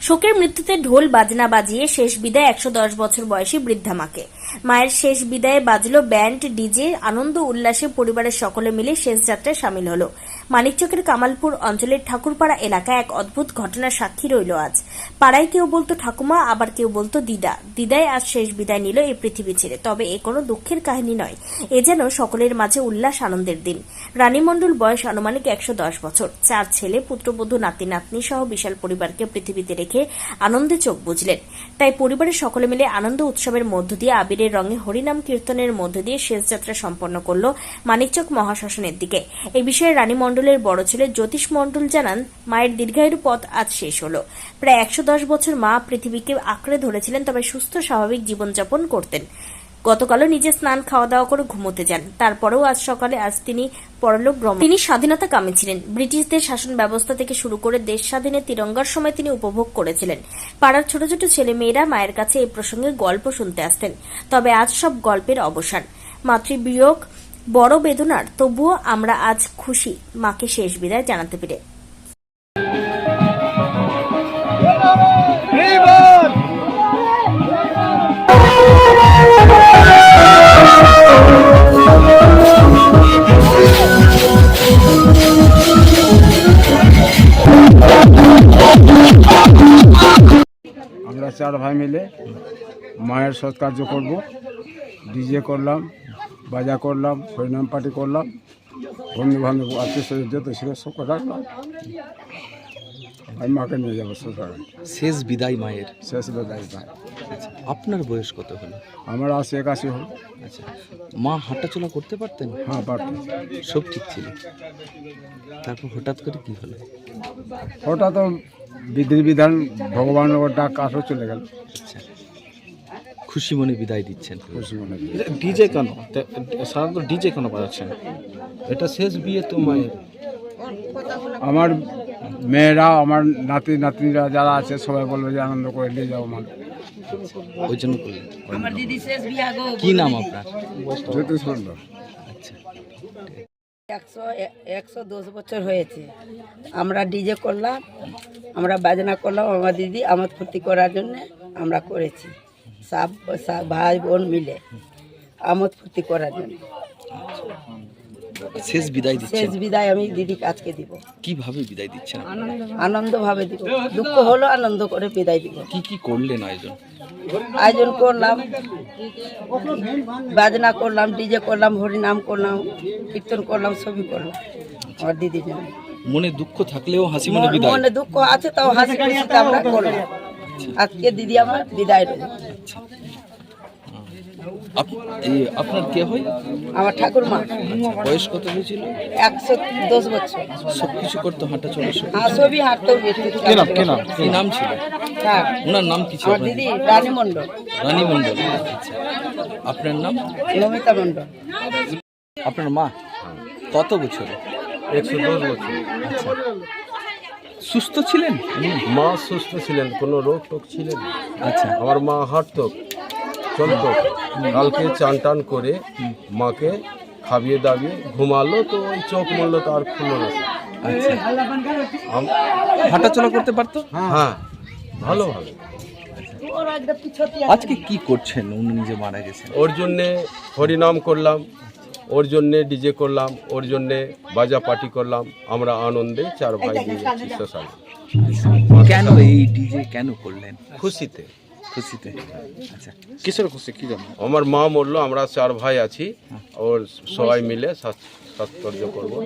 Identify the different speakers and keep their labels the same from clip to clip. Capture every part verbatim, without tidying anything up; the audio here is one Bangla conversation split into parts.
Speaker 1: শোকের মৃত্যুতে ঢোল বাজনা বাজিয়ে শেষ বিদায় একশো দশ বছর বয়সী বৃদ্ধা মাকে। মায়ের শেষ বিদায়ে বাজলো ব্যান্ড, ডিজে, আনন্দ উল্লাসে পরিবারের সকলে মিলে শেষ যাত্রায় সামিল হলো। মানিকচকের কামালপুর অঞ্চলের ঠাকুরপাড়া এলাকায় এক অদ্ভুত ঘটনার সাক্ষী রইল আজ। পাড়ায় কেউ বলতো ঠাকুমা, আবার কেউ বলতো দিদা। দিদাই আজ শেষ বিদায় নিল এই পৃথিবী ছেড়ে। তবে এ কোনো দুঃখের কাহিনী নয়, এ যেন সকলের মাঝে উল্লাস আনন্দের দিন। রানী মণ্ডল বয়স আনুমানিক একশো দশ বছর। চার ছেলে, পুত্রবধূ, নাতি নাতনি সহ বিশাল পরিবারকে পৃথিবীতে রেখে আনন্দে চোখ বুঝলেন। তাই পরিবারের সকলে মিলে আনন্দ উৎসবের মধ্য দিয়ে আবিরের রঙে হরিনাম কীর্তনের মধ্য দিয়ে শেষ যাত্রা সম্পন্ন করল মানিকচক মহাশ্মশানের দিকে। এই বিষয়ে রানী মণ্ডলের বড় ছেলে জ্যোতিষ মণ্ডল জানান, মায়ের দীর্ঘায়ুর পথ আজ শেষ হল। প্রায় একশো দশ বছর মা পৃথিবীকে আঁকড়ে ধরেছিলেন, তবে সুস্থ স্বাভাবিক জীবনযাপন করতেন। গতকালও নিজে স্নান খাওয়া দাওয়া করে ঘুমোতে যান। তারপরেও আজ সকালে আজ তিনি পরলোক গমন। তিনি স্বাধীনতা কামী ছিলেন। ব্রিটিশদের শাসন ব্যবস্থা থেকে শুরু করে দেশ স্বাধীনে তিরঙ্গার সময় তিনি উপভোগ করেছিলেন। পাড়ার ছোট ছোট ছেলে মেয়েরা মায়ের কাছে এই প্রসঙ্গে গল্প শুনতে আসতেন। তবে আজ সব গল্পের অবসান। মাতৃবিয়োগ বড় বেদনার, তবুও আমরা আজ খুশি মাকে শেষ বিদায় জানাতে পেরে।
Speaker 2: আমরা চার ভাই মিলে মায়ের সৎকার্য করব। ডিজে করলাম, বাজা করলাম, হরিনাম পার্টি করলাম, বন্ধু বান্ধব আত্মীয় স্বজন যত ছিল সব রাখলাম। আমি মাকে নিয়ে যাবো সরকার।
Speaker 3: শেষ বিদায় মায়ের।
Speaker 2: শেষ বিদায় ভাই।
Speaker 3: আচ্ছা, আপনার বয়স কত হলো?
Speaker 2: আমার আশি একাশি হল।
Speaker 3: আচ্ছা, মা হাঁটাচলা করতে পারতেন?
Speaker 2: হ্যাঁ, পারতাম।
Speaker 3: সব ঠিক ছিল, তারপর হঠাৎ করে কি হলো?
Speaker 2: ওটা তো বিধি বিধান, ভগবানের ডাক আসো চলে গেল।
Speaker 3: আচ্ছা, খুশি মনে বিদায় দিচ্ছেন?
Speaker 2: খুশি মনে।
Speaker 4: ডিজে কেন সাধারণত ডিজে কেন বাজাচ্ছেন? এটা শেষ বিয়ে তো মায়ের।
Speaker 2: আমার মেয়েরা, আমার নাতি নাতনিরা যারা আছে সবাই বলবে যে আনন্দ করে নিয়ে যাও মা।
Speaker 3: ওই জন্য করলেন। কি নাম আপনার?
Speaker 2: জ্যোতিষ মণ্ডল।
Speaker 3: আচ্ছা,
Speaker 5: একশো একশো দশ বছর হয়েছে। আমরা ডিজে করলাম, আমরা বাজনা করলাম, আমার দিদি আমোদ ফুর্তি করার জন্য আমরা করেছি। সব সব ভাই বোন মিলে আমোদ ফুর্তি করার জন্য
Speaker 3: শেষ বিদায়
Speaker 5: শেষ
Speaker 3: দিচ্ছেন।
Speaker 5: বিদায় আমি দিদিকে আজকে দিব।
Speaker 3: কিভাবে বিদায় দিচ্ছেন?
Speaker 5: আনন্দ ভাবে দিব, দুঃখ হলো আনন্দ করে বিদায় দিব।
Speaker 3: কি কি করলেন আয়োজন?
Speaker 5: আয়োজন করলাম, বাজনা করলাম, ডিজে করলাম, হরিনাম করলাম, কীর্তন করলাম, সবই করলাম আমার দিদির জন্য।
Speaker 3: মনে দুঃখ থাকলেও হাসি মনে বিদায়।
Speaker 5: মনে দুঃখ আছে তাও হাসি খুশিতে আমরা করলাম। আজকে দিদি আমার বিদায় রইল।
Speaker 3: আপ- এই আপনার কে হয়?
Speaker 5: আমার ঠাকুরমা।
Speaker 3: বয়স কত হয়েছিল?
Speaker 5: একশো দশ বছর।
Speaker 3: সবকিছু করতো, হাঁটা চলা সব?
Speaker 5: হ্যাঁ, সবই হাঁটতেও
Speaker 3: কি নাম কি নাম কি নাম ছিল
Speaker 5: হ্যাঁ,
Speaker 3: ওনার নাম কি ছিল?
Speaker 5: আমার দিদি রানী মণ্ডল,
Speaker 3: রানী মণ্ডল। আচ্ছা, আপনার নাম?
Speaker 5: নমিতা মণ্ডল।
Speaker 3: আপনার মা কত বছর?
Speaker 4: একশো দশ বছর।
Speaker 3: সুস্থ ছিলেন?
Speaker 4: মা সুস্থ ছিলেন, কোনো রোগ টোগ ছিলেন না।
Speaker 3: আচ্ছা,
Speaker 4: আমার মা হাঁটতো, চলতো। কালকে চান টান করে মাকে খাবিয়ে দাবিয়ে ঘুমালো, তো ওই চোখ মরলো তো আর খুললো না।
Speaker 3: আচ্ছা,
Speaker 4: আম-
Speaker 3: হাঁটা চলা করতে পারতো?
Speaker 4: হ্যাঁ, ভালোভাবে।
Speaker 3: আজকে কি করছেন? উনি নিজে মারা গেছেন।
Speaker 4: ওর জন্যে হরিনাম করলাম, ওর জন্যে ডিজে করলাম, ওর জন্যে বাজা পার্টি করলাম। আমরা আনন্দে চার ভাই নিয়ে যাচ্ছি শ্মশানে।
Speaker 3: কেন এই ডিজে কেন করলেন?
Speaker 4: খুশিতে।
Speaker 3: খুশিতে। আচ্ছা,
Speaker 4: কিসের খুশি কি জানো? আমার মা মরলো, আমরা চার ভাই আছি, ওর সবাই মিলে সাৎকর্য করবো।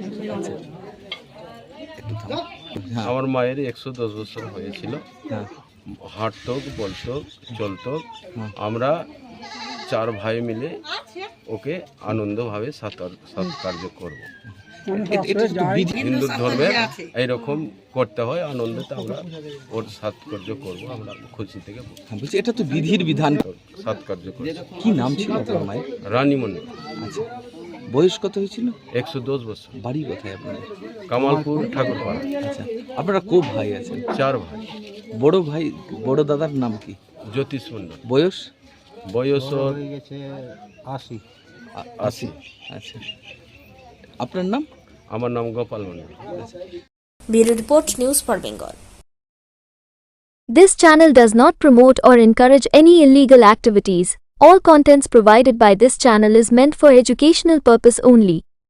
Speaker 3: একটু থামো। হ্যাঁ,
Speaker 4: আমার মায়ের একশো দশ বছর হয়েছিল।
Speaker 3: হ্যাঁ,
Speaker 4: হাঁটতো, বলতো, চলতো। আমরা চার ভাই মিলে ওকে আনন্দভাবে সৎকার্য করবো।
Speaker 3: এ- এটা তো বিধি।
Speaker 4: হিন্দু ধর্মের এইরকম করতে হয়, আনন্দতে আমরা ওর সৎকার্য করবো। আমরা খুশি থেকে
Speaker 3: হ্যাঁ, বলছি এটা তো বিধির বিধান।
Speaker 4: সৎকার্য করবো।
Speaker 3: কি নাম ছিল আপনার মায়ের?
Speaker 4: রানী মণ্ডল।
Speaker 3: আচ্ছা, বয়স কত হয়েছিল?
Speaker 4: একশো দশ বছর।
Speaker 3: বাড়ি কোথায় আপনাদের?
Speaker 4: কামালপুর ঠাকুরপাড়া।
Speaker 3: আচ্ছা, আপনারা কো ভাই আছেন?
Speaker 4: চার ভাই।
Speaker 3: বড় ভাই, বড় দাদার নাম কি?
Speaker 4: জ্যোতিষ মণ্ডল।
Speaker 3: বয়স?
Speaker 4: বয়স ওর
Speaker 2: আশি।
Speaker 3: আ-
Speaker 4: আশি।
Speaker 3: আচ্ছা, আপনার নাম?
Speaker 4: আমার নাম Gopal Mondal.
Speaker 1: Bureau report, news for Bengal.
Speaker 6: This channel does not promote or encourage any illegal activities. All contents provided by this channel is meant for educational purpose only.